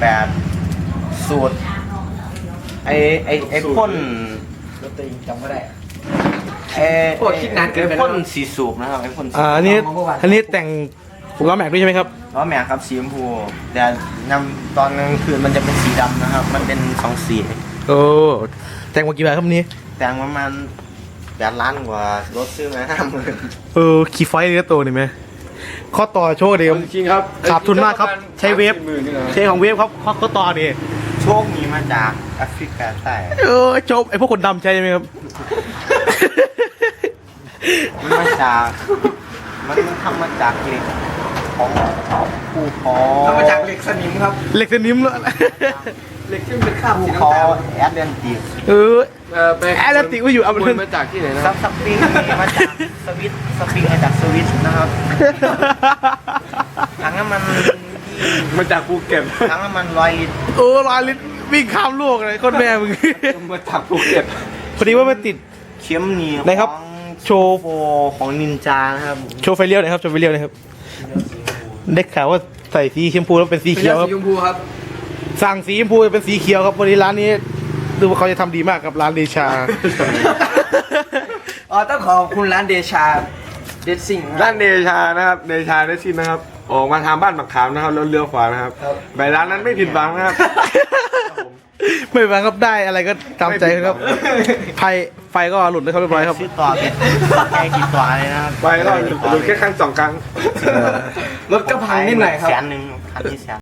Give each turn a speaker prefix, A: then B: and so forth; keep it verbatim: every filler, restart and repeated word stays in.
A: แปดสูตรไอไอไอพ่น
B: รถตัวเองจำไม่ได้
A: ไอไอพ่นสีสูบนะครับไอพ่น
C: อ่าอันนี้อันนี้แต่งล้อแม็กด้วยใช่ไหมครับ
A: ล้อแม็กครับสีชมพูแต่นำตอนกลางคืนมันจะเป็นสีดำนะครับมันเป็นสองสี
C: โอ้แต่งมากี่บาทครับนี้
A: แต่งประมาณแปดล้านกว่ารถซื้อมาห้าหมื่น
C: เออขี่ไฟเลยตัวนี่ไหมข้อต่อโชว์ดีครับ
B: จริงครับ
C: ขาดทุนมากครับใช้เวฟใช้ของเวฟครับข้อข้อต่อนี่
A: โชคมีมาจากแอฟริกาใต้
C: เออจบไอพวกคนดำใช่ไหมครับ
A: มันมาจากมันมันทำมาจากเหล็กของภูเขา
B: ทำมาจากเหล็กสนิมครับ
C: เหล็กสนิมเลย
B: เหล็กที่มันเป็นคราบ
A: ภู
B: สี
A: เขา
B: น้ำตาล
A: แอตแลนติก
C: เออ
B: เออไป
C: แอตแลนติกว่าอยู่เอาไป
B: มันมาจากที่ไหนนะ
A: ซับสปริงมีมาจากสวิตสปริงมาจากสวิตนะครับถังน้ำมัน
B: มาจากภูเก็ต
A: ถังน้ำมันร้อยลิตร
C: โอ้ลอยลิตรวิ่งข้ามโลกเลยโคนแม่มึง
B: มาจากภูเก็ต
C: พอดีว่ามันติด
A: เข็มหนีบ
C: ไหนครับ
A: ของ
C: โชว์
A: โฟของนินจานะครับ
C: โชว์ไฟเลี้ยวหน่อยครับโชว์ไฟเลี้ยวหน่อยครับได้ข่าวว่าใส่สีชมพูแล้วเป็นสี
B: เป็น
C: เขียวค
B: สี
C: รับ
B: ชมพูครับ
C: สั่งสีชมพูเป็นสีเขียวครับวันนี้ร้านนี้ดูว่าเขาจะทำดีมากกับร้านเดชา
B: อ๋อต้องขอบคุณร้านเดชาเดซซิ่ง
D: ร้านเดชานะครับเดชาได้ชินนะครับ ออกมาทางบ้านบักขามนะครับแล้วเลี้ยวขวานะครับไปร้านนั้นไม่ผิดหวังนะครับ
C: ไม่เป็นไรครับได้อะไรก็ตามใจครับไฟไฟก็หลุดเลยครับเรียบร้อยครับ
A: ซื้อต่อเป็นแค่กี่ตัวเลยนะครับ
D: ไปก็หลุดแค่ครั้งสองครั้ง
B: รถก็พังนิดหน่อยครับ
A: แสนหนึ่งคันที่แสน